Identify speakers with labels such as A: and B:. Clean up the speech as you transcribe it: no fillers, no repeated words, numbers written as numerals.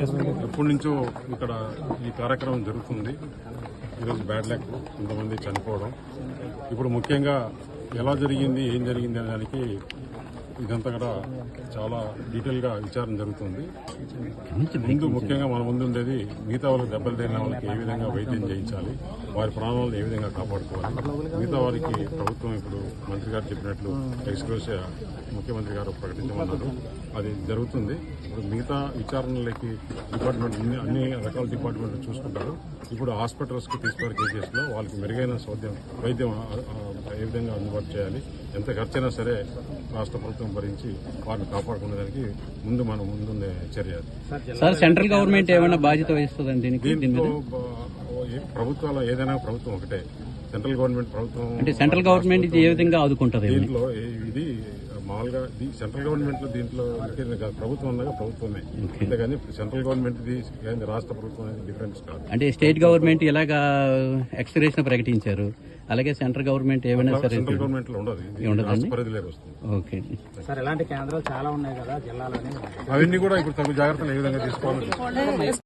A: ఎప్పటి నుంచో ఇక్కడ ఈ కార్యక్రమం జరుగుతుంది. ఈరోజు బ్యాడ్ లక్, కొంతమంది చనిపోవడం. ఇప్పుడు ముఖ్యంగా ఎలా జరిగింది, ఏం జరిగింది అనే దానికి ఇదంతా కూడా చాలా డీటెయిల్గా విచారణ జరుగుతుంది. ముందు ముఖ్యంగా మన ముందు ఉండేది మిగతా వాళ్ళకి దెబ్బలు తగిలిన వాళ్ళకి ఏ విధంగా వైద్యం చేయించాలి, వారి ప్రాణాలను ఏ విధంగా కాపాడుకోవాలి. మిగతా వారికి ప్రభుత్వం ఇప్పుడు మంత్రి గారు చెప్పినట్లు ఎక్స్క్లూసివ్ ముఖ్యమంత్రి గారు ప్రకటించమన్నారు. అది జరుగుతుంది. ఇప్పుడు మిగతా విచారణలకి డిపార్ట్మెంట్ అన్ని రకాల డిపార్ట్మెంట్లు చూసుకుంటారు. ఇప్పుడు హాస్పిటల్స్కి తీసుకునే కేసెస్లో వాళ్ళకి మెరుగైన వైద్యం ఏ విధంగా అందుబాటు చేయాలి, ఎంత ఖర్చైనా సరే రాష్ట్ర ప్రభుత్వం భరించి వారిని కాపాడుకునేదానికి మన ముందుండే చర్య.
B: సార్, సెంట్రల్ గవర్నమెంట్ ఏమైనా బాధ్యత వహిస్తుందండి
A: దీంట్లో ప్రభుత్వాలు ఏదైనా ప్రభుత్వం ఒకటే. సెంట్రల్ గవర్నమెంట్ ప్రభుత్వం
B: అంటే సెంట్రల్ గవర్నమెంట్ ఇది ఏ విధంగా ఆదుకుంటుంది?
A: దీంట్లో ఇది మామూలుగా సెంట్రల్ గవర్నమెంట్ లో దీంట్లో ప్రభుత్వం ఉండగా ప్రభుత్వమే, అంతేగాని సెంట్రల్ గవర్నమెంట్ రాష్ట్ర ప్రభుత్వం అనేది డిఫరెన్స్ కాదు.
B: అంటే స్టేట్ గవర్నమెంట్ ఇలాగా ఎక్స్గ్రేషన్ ప్రకటించారు, అలాగే సెంట్రల్ గవర్నమెంట్ ఏమైనా సరే
A: సెంట్రల్ గవర్నమెంట్ లో ఉండదు, పరిధిలోకి వస్తుంది.
B: ఓకే
C: సార్, ఇలాంటి కేంద్రాలు చాలా ఉన్నాయి కదా జిల్లాలోనే,
A: అవన్నీ కూడా ఇప్పుడు తగు జాగ్రత్తలు ఏ విధంగా తీసుకోవాలి.